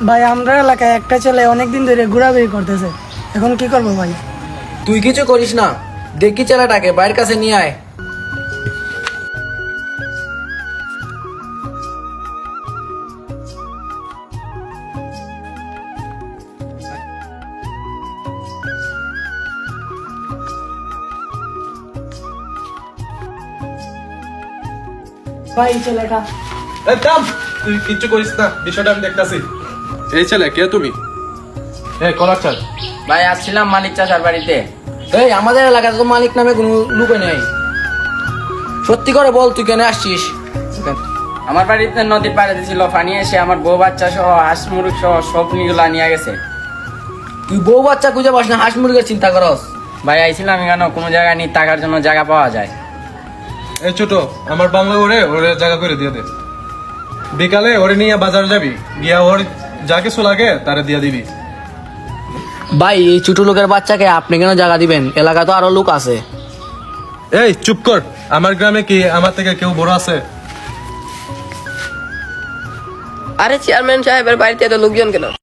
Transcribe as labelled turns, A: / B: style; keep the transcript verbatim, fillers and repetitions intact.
A: ভাই আমরা এলাকায় একটা ছেলে অনেকদিন ধরে ঘোরাঘুরি করতেছে, এখন কি করবো ভাই?
B: তুই কিছু করিস না, দেখি ছেলেটাকে বাইরের কাছে নিয়ে আয়।
A: ভাই ছেলেটা
C: এই থাম, তুই কিচ্ছু করিস না, বিষয়টা আমি দেখতাছি। এই ছেলে কে তুমি? এই কলার চাল।
D: ভাই আসছিলাম মালিক চাচার বাড়িতে।
B: এই আমাদের এলাকাতে তো মালিক নামে কোনো লোক নেই, সত্যি করে বল তুই কেন আসছিস?
D: আমার বাড়িতে নদীর পাড়ে ছিল পানি, এসে আমার বউ বাচ্চা সহ হাঁস মুরগ সহ সব নিগুলা নিয়ে গেছে।
B: তুই বউ বাচ্চা খুঁজে পাস না, হাঁস মুরগের চিন্তা করস?
D: ভাই আইছিলাম কেন, কোনো জায়গায় নিয়ে টাকার জন্য জায়গা পাওয়া যায়।
C: এই ছোট, আমার বাংলা ওরে ওরে জায়গা করে দিয়ে দে। বিকালে ওরে নিয়ে বাজার যাবি, গিয়া ওর যা কিছু লাগে তারে দিয়ে দিবি।
B: ভাই এই ছোট লোকের বাচ্চাকে আপনি কেন জায়গা দিবেন? এলাকা তো আরো লোক আছে।
C: এই চুপ কর, আমার গ্রামে কি আমার থেকে কেউ বড় আছে?
E: আরে চেয়ারম্যান সাহেবের বাড়িতে এত লোকজন কেন?